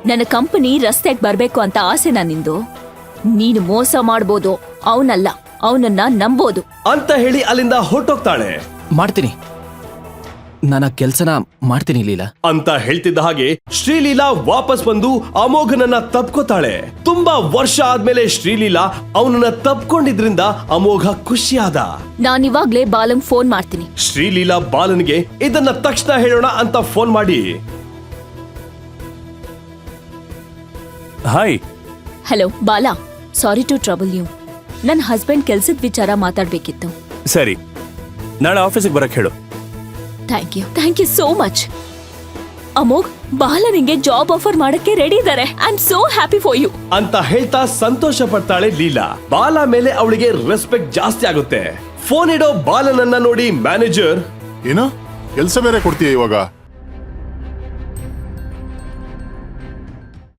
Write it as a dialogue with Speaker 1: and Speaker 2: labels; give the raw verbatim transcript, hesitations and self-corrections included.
Speaker 1: ನನ್ನ ಕಂಪನಿ ರಸ್ತೆಗೆ ಬರ್ಬೇಕು ಅಂತ ಆಸೆನಾ ನಿಂದು? ನೀನು ಮೋಸ ಮಾಡ್ಬೋದು, ಅವನಲ್ಲ, ಅವನನ್ನ ನಂಬೋದು
Speaker 2: ಅಂತ ಹೇಳಿ ಅಲ್ಲಿಂದ ಹೊರಟೋಗ್ತಾಳೆ.
Speaker 3: ಮಾಡ್ತೀನಿ, ನಾನು ಆ ಕೆಲ್ಸನ ಮಾಡ್ತೀನಿ ಲೀಲಾ
Speaker 2: ಅಂತ ಹೇಳ್ತಿದ್ದ ಹಾಗೆ ಶ್ರೀಲೀಲಾ ವಾಪಸ್ ಬಂದು ಅಮೋಘನನ್ನ ತಪ್ಕೋತಾಳೆ. ತುಂಬಾ ವರ್ಷ ಆದ್ಮೇಲೆ ಶ್ರೀಲೀಲಾ ಅವನನ್ನ ತಪ್ಕೊಂಡಿದ್ರಿಂದ ಅಮೋಘ ಖುಷಿಯಾದ.
Speaker 1: ನಾನಿವಾಗ್ಲೇ ಬಾಲಂಗ್ ಫೋನ್ ಮಾಡ್ತೀನಿ.
Speaker 2: ಶ್ರೀಲೀಲಾ ಬಾಲನ್ಗೆ ಇದನ್ನ ತಕ್ಷಣ ಹೇಳೋಣ ಅಂತ ಫೋನ್ ಮಾಡಿ,
Speaker 4: hi.
Speaker 1: Hello Bala, sorry to trouble you. ನನ್ನ ಹಸ್ಬೆಂಡ್ ಕೆಲ್ಸದ ವಿಚಾರ ಮಾತಾಡ್ಬೇಕಿತ್ತು.
Speaker 4: ಸರಿ, ನಾಳೆ ಆಫೀಸಿಗೆ ಬರಕ್ ಹೇಳು.
Speaker 1: Thank you thank you so much. Amogh, Bala ನಿಂಗೆ ಜಾಬ್ ಆಫರ್ ಮಾಡಕ್ಕೆ ರೆಡಿ ಇದ್ದಾರೆ. I am so happy for you
Speaker 2: ಅಂತ ಹೇಳ್ತಾ ಸಂತೋಷ ಪಡ್ತಾಳೆ ಲೀಲಾ. ಬಾಲ ಮೇಲೆ ಅವಳಿಗೆ ರೆಸ್ಪೆಕ್ಟ್ ಜಾಸ್ತಿ ಆಗುತ್ತೆ. ಫೋನ್ ಇಡೋ ಬಾಲನನ್ನ ನೋಡಿ ಮ್ಯಾನೇಜರ್,
Speaker 5: ಏನು ಕೆಲ್ಸ ಬೇರೆ ಕೊಡ್ತೀಯ ಇವಾಗ?